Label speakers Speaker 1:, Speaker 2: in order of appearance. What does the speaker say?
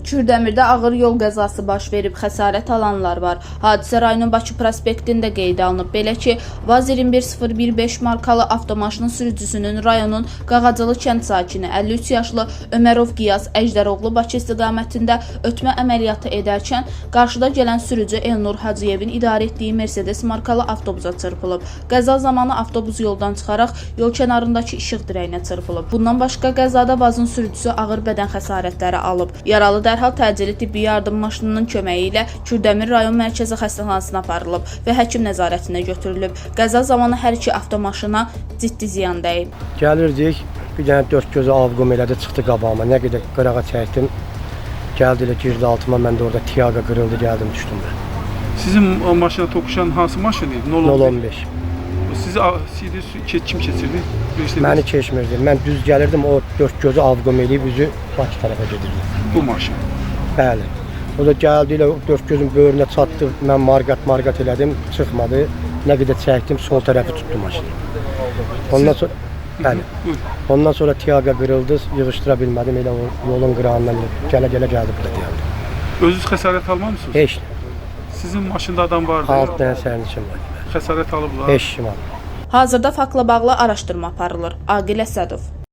Speaker 1: Kürdəmirdə ağır yol qəzası baş verib, xəsarət alanlar var. Hadisə rayonun Bakı prospektində qeydə alınıb. Belə ki, VAZ 21015 markalı avtomaşının sürücüsünün rayonun Qağacılı kənd sakini 53 yaşlı Ömərov Qiyas Əjdəroğlu Bakı istiqamətində ötmə əməliyyatı edərkən qarşıda gələn sürücü Elnur Hacıyevin idarə etdiyi Mercedes markalı avtobusa çırpılıb. Qəza zamanı avtobus yoldan çıxaraq yol kənarındakı işıq dirəyinə çırpılıb. Bundan başqa qəzada VAZ-ın sürücüsü ağır bədən xəsarətləri alıb. Yaralı dərhal təcili tibbi yardım maşınının köməyi ilə Kürdəmir rayon mərkəzi xəstəxanasına aparılıb və həkim nəzarətinə götürülüb. Qəza zamanı hər iki avtomaşına ciddi ziyan dəyib.
Speaker 2: Gəlirdik, bir dənə dörd gözü avqum elədi, çıxdı qabağıma. Nə qədər qırağa çəkdim, gəldi elə girdi altıma, mən də orada tiyaqa qırıldı, gəldim, düşdüm mən.
Speaker 3: Sizin o maşına toqquşan hansı maşın idi?
Speaker 2: 015.
Speaker 3: Sizi kim keçirdi?
Speaker 2: Məni keçmirdi. Mən düz gəlirdim, o dörd gözü avqum eləyib üzü Bakı tərəfə gedirdi.
Speaker 3: Bu maşın?
Speaker 2: Bəli. O da gəldi ilə dörd gözün böyrünə çatdı, mən marqat elədim, çıxmadı. Nə qədər çəkdim, sol tərəfi tutdu maşını. Ondan sonra, bəli. Ondan sonra tiyaqa qırıldı, yığışdıra bilmədim, elə o yolun qırağından gələ-gələ gəldi burada deyildi.
Speaker 3: Özünüz xəsarət almamısınız?
Speaker 2: Heç.
Speaker 3: Sizin maşında adam vardı?
Speaker 2: 6 dənə sərnişin var.
Speaker 3: Xəsarət alıblar?
Speaker 2: 5 kişi var.
Speaker 1: Hazırda faktla bağlı araşdırma aparılır. Aqil Əsədov.